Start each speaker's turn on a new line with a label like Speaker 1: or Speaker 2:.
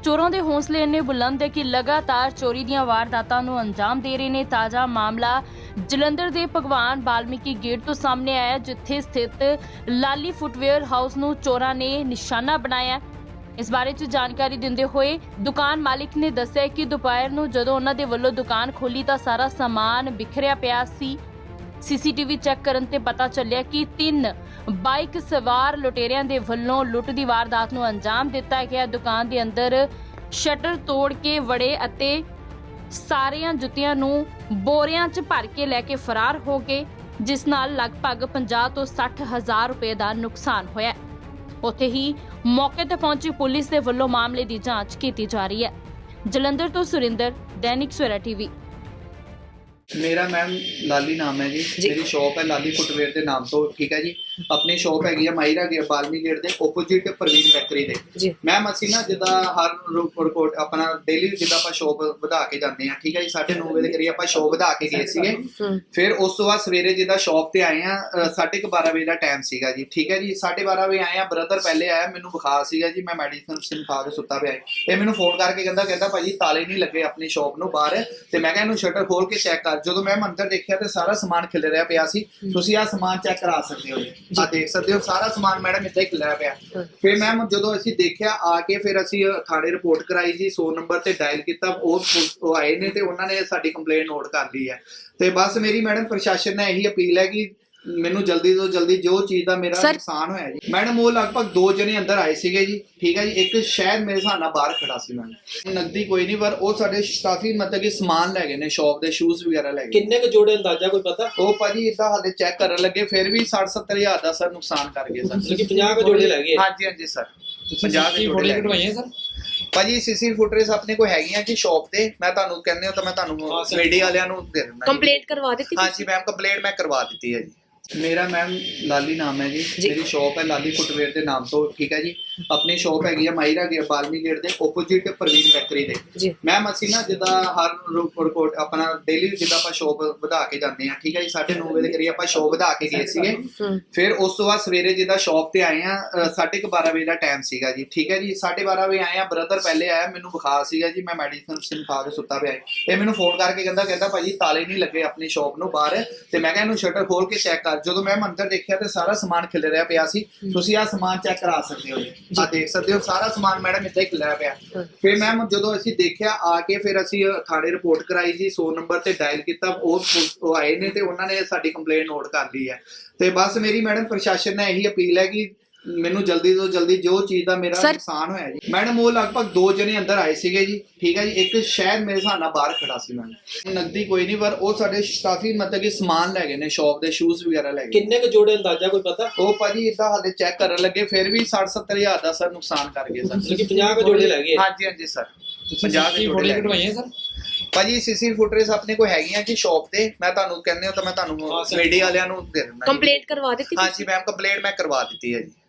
Speaker 1: ਚੋਰਾਂ ਦੇ ਹੌਸਲੇ ਇੰਨੇ ਬੁਲੰਦ ਹੈ ਕਿ ਲਗਾਤਾਰ ਚੋਰੀ ਦੀਆਂ ਵਾਰਦਾਤਾਂ ਨੂੰ ਅੰਜਾਮ ਦੇ ਰਹੇ ਨੇ। ਤਾਜ਼ਾ ਮਾਮਲਾ ਜਲੰਧਰ ਦੇ ਭਗਵਾਨ ਵਾਲਮੀਕੀ ਗੇਟ ਤੋਂ ਸਾਹਮਣੇ ਆਇਆ, ਜਿੱਥੇ ਸਥਿਤ ਲਾਲੀ ਫੁੱਟਵੇਅਰ ਹਾਊਸ ਨੂੰ ਚੋਰਾਂ ਨੇ ਨਿਸ਼ਾਨਾ ਬਣਾਇਆ। ਇਸ ਬਾਰੇ ਚ ਜਾਣਕਾਰੀ ਦਿੰਦੇ ਹੋਏ ਦੁਕਾਨ ਮਾਲਿਕ ਨੇ ਦੱਸਿਆ ਕਿ ਦੁਪਹਿਰ ਨੂੰ ਜਦੋਂ ਉਹਨਾਂ ਦੇ ਵੱਲੋਂ ਦੁਕਾਨ ਖੋਲੀ ਤਾਂ ਸਾਰਾ ਸਮਾਨ ਬਿਖਰਿਆ ਪਿਆ ਸੀ। ਸੀਸੀਟੀਵੀ ਚੈੱਕ ਕਰਨ ਤੇ ਪਤਾ ਚੱਲਿਆ ਕਿ 3 ਬਾਈਕ ਸਵਾਰ ਲੁਟੇਰਿਆਂ ਦੇ ਵੱਲੋਂ ਲੁੱਟ ਦੀ ਵਾਰਦਾਤ ਨੂੰ ਅੰਜਾਮ ਦਿੱਤਾ ਗਿਆ। ਦੁਕਾਨ ਦੇ ਅੰਦਰ ਸ਼ਟਰ ਤੋੜ ਕੇ ਵੜੇ ਅਤੇ ਸਾਰੀਆਂ ਜੁੱਤੀਆਂ ਨੂੰ ਬੋਰਿਆਂ 'ਚ ਭਰ ਕੇ ਲੈ ਕੇ ਫਰਾਰ ਹੋ ਗਏ, ਜਿਸ ਨਾਲ ਲਗਭਗ 50 ਤੋਂ 60 ਹਜ਼ਾਰ ਰੁਪਏ ਦਾ ਨੁਕਸਾਨ ਹੋਇਆ। ਉੱਥੇ ਹੀ ਮੌਕੇ ਤੇ ਪਹੁੰਚੀ ਪੁਲਿਸ ਦੇ ਵੱਲੋਂ ਮਾਮਲੇ ਦੀ ਜਾਂਚ ਕੀਤੀ ਜਾ ਰਹੀ ਹੈ। ਜਲੰਧਰ ਤੋਂ ਸੁਰਿੰਦਰ, दैनिक सवेरा टीवी।
Speaker 2: मेरा मैम लाली नाम है जी। मेरी शॉप है लाली फुटवेयर के नाम तो, ठीक है जी। अपनी शॉप हैगी है माहिरा गेट बालमी गेट के ओपोजिट प्रवीण फैक्ट्री के। मैम असी ना जिदा हर रिपोर्ट अपना डेली जिदा आप शॉप वधा के जाते हैं, ठीक है जी। 9:30 बजे करिए आप शॉप वधा के गए थे। फिर उस तो बाद सवेरे जिदा शॉप से आए हैं 12:30 बजे का टाइम सीगा जी, ठीक है जी। 12:30 बजे आए हैं, ब्रदर पहले आया, मैनू बुखार सीगा जी, मैं मेडिसिन खा के सुता पे आया। ये मैनू फोन करके कहता भाजी ताले नहीं लगे अपनी शॉप नूं बाहर, ते मैं कहना शटर खोल के चेक कर। जो मैं अंदर देखा तो सारा समान खिलरिया पिया सी। तुसीं आ समान चेक करा सकते हो, आ देख सकते हो सारा समान मैडम इत्थे खिलरिया पिया। फिर मैम जो असीं देखिया आके फिर असीं थाणे रिपोर्ट कराई जी, 100 नंबर ते डायल किया। वो आए ने ते उन्होंने साडी कंप्लेंट नोट कर ली है। ते बस मेरी मैडम प्रशासन ने यही अपील है कि ਮੈਨੂੰ ਜਲਦੀ ਤੋਂ ਜਲਦੀ ਜੋ ਚੀਜ਼ ਦਾ ਮੇਰਾ ਨੁਕਸਾਨ ਹੋਇਆ ਜੀ। ਮੈਡਮ ਉਹ ਲਗਭਗ 2 ਜਣੇ ਅੰਦਰ ਆਏ ਸੀਗੇ ਜੀ, ਠੀਕ ਹੈ ਜੀ। ਇੱਕ ਸ਼ਾਇਦ ਮੇਰੇ ਹਿਸਾਬ ਨਾਲ ਬਾਹਰ ਖੜਾ ਸੀ। ਮੈਡਮ ਨਕਦੀ ਕੋਈ ਨਹੀਂ, ਪਰ ਉਹ ਸਾਡੇ ਕਾਫੀ ਮਤਲਬ ਕਿ ਸਮਾਨ ਲੈ ਗਏ ਨੇ, ਸ਼ੌਪ ਦੇ ਸ਼ੂਜ਼ ਵਗੈਰਾ ਲੈ ਗਏ।
Speaker 3: ਕਿੰਨੇ ਕੁ ਜੋੜੇ ਅੰਦਾਜ਼ਾ ਕੋਈ ਪਤਾ?
Speaker 2: ਉਹ ਭਾਜੀ ਇਦਾਂ ਹਾਲੇ ਚੈੱਕ ਕਰਨ ਲੱਗੇ, ਫਿਰ ਵੀ 60-70 ਹਜ਼ਾਰ ਦਾ ਸਰ ਨੁਕਸਾਨ ਕਰ ਗਏ ਸਰ।
Speaker 3: ਮਤਲਬ ਕਿ 50 ਕੁ ਜੋੜੇ ਲੈ ਗਏ?
Speaker 2: ਹਾਂਜੀ ਹਾਂਜੀ ਸਰ, 50 ਦੇ ਜੋੜੇ
Speaker 3: ਕਢਵਾਈਆਂ ਸਰ।
Speaker 2: ਭਾਜੀ ਸੀਸੀ ਫੁਟਰੇਜ ਆਪਣੇ ਕੋਲ ਹੈਗੀਆਂ ਜੀ ਸ਼ੌਪ ਤੇ। ਮੈਂ ਤੁਹਾਨੂੰ ਕਹਿੰਦੇ ਹਾਂ ਤਾਂ ਮੈਂ ਤੁਹਾਨੂੰ ਮੀਡੀਆ ਵਾਲਿਆਂ ਨੂੰ ਦੇ ਦਿੰਦਾ।
Speaker 1: ਕੰਪਲੇਂਟ ਕਰਵਾ ਦਿੱਤੀ?
Speaker 2: ਹਾਂਜੀ ਮੈਮ ਕੰਪਲੇਂਟ मैं करवा दी है जी। मेरा मैम लाली नाम है जी। मेरी शॉप है लाली फुटवेयर के नाम तो, ठीक है जी। अपनी शॉप हैगी है माहिरा गेट बालमी गेट के ओपोजिट प्रवीण फैक्ट्री के। मैम असी ना जिदा हर रिपोर्ट अपना डेली जिदा आप शॉप वधा के जाते हैं, ठीक है जी। 9:30 बजे करिए आप शॉप वधा के गए थे। फिर उस तो बाद सवेरे जिदा शॉप से आए हैं 12:30 बजे का टाइम सीगा जी, ठीक है जी। 12:30 बजे आए हैं, ब्रदर पहले आया, मैनू बुखार सीगा जी, मैं मेडिसिन खा के सुता पे आया। ये मैनू फोन करके कहता भाजी ताले नहीं लगे अपनी शॉप नूं बाहर, ते मैं कहना शटर खोल के चेक कर। जो मैं अंदर देखा तो सारा समान खिलरिया पिया सी। तुसीं आ समान चेक करा सकते हो, आ देख सकते हो सारा समान मैडम इत्थे खिलरिया पिया। फिर मैम जो असीं देखिया आके फिर असीं थाणे रिपोर्ट कराई जी, 100 नंबर ते डायल किया। वो आए ने ते उन्होंने साडी कंप्लेंट नोट कर ली है। ते बस मेरी मैडम प्रशासन ने यही अपील है कि ਮੈਨੂੰ ਜਲਦੀ ਤੋਂ ਜਲਦੀ ਜੋ ਚੀਜ਼ ਦਾ ਮੇਰਾ ਨੁਕਸਾਨ ਹੋਇਆ ਜੀ। ਮੈਡਮ ਉਹ ਲਗਭਗ 2 ਜਣੇ ਅੰਦਰ ਆਏ ਸੀਗੇ ਜੀ, ਠੀਕ ਹੈ ਜੀ। ਇੱਕ ਸ਼ਾਇਦ ਮੇਰੇ ਹਿਸਾਬ ਨਾਲ ਬਾਹਰ ਖੜਾ ਸੀ। ਮੈਡਮ ਨਕਦੀ ਕੋਈ ਨਹੀਂ, ਪਰ ਉਹ ਸਾਡੇ ਕਾਫੀ ਮਤਲਬ ਕਿ ਸਮਾਨ ਲੈ ਗਏ ਨੇ, ਸ਼ੌਪ ਦੇ ਸ਼ੂਜ਼ ਵਗੈਰਾ ਲੈ ਗਏ।
Speaker 3: ਕਿੰਨੇ ਕੁ ਜੋੜੇ ਅੰਦਾਜ਼ਾ ਕੋਈ ਪਤਾ?
Speaker 2: ਉਹ ਭਾਜੀ ਇਦਾਂ ਹਾਲੇ ਚੈੱਕ ਕਰਨ ਲੱਗੇ, ਫਿਰ ਵੀ 60-70 ਹਜ਼ਾਰ ਦਾ ਸਰ ਨੁਕਸਾਨ ਕਰ ਗਏ ਸਰ।
Speaker 3: ਮਤਲਬ ਕਿ 50 ਕੁ ਜੋੜੇ ਲੈ ਗਏ?
Speaker 2: ਹਾਂਜੀ ਹਾਂਜੀ ਸਰ, 50 ਦੇ ਜੋੜੇ
Speaker 3: ਕਢਵਾਈਆਂ ਸਰ।
Speaker 2: ਭਾਜੀ ਸੀਸੀ ਫੁਟਰੇਜ ਆਪਣੇ ਕੋਲ ਹੈਗੀਆਂ ਜੀ ਸ਼ੌਪ ਤੇ। ਮੈਂ ਤੁਹਾਨੂੰ ਕਹਿੰਦੇ ਹਾਂ ਤਾਂ ਮੈਂ ਤੁਹਾਨੂੰ ਮੀਡੀਆ ਵਾਲਿਆਂ ਨੂੰ ਦੇ ਦਿੰਦਾ।
Speaker 1: ਕੰਪਲੇਂਟ ਕਰਵਾ ਦਿੱਤੀ?
Speaker 2: ਹਾਂਜੀ ਮੈਮ ਕੰਪਲੇਂਟ ਮੈਂ ਕਰਵਾ ਦਿੱਤੀ ਹੈ ਜੀ।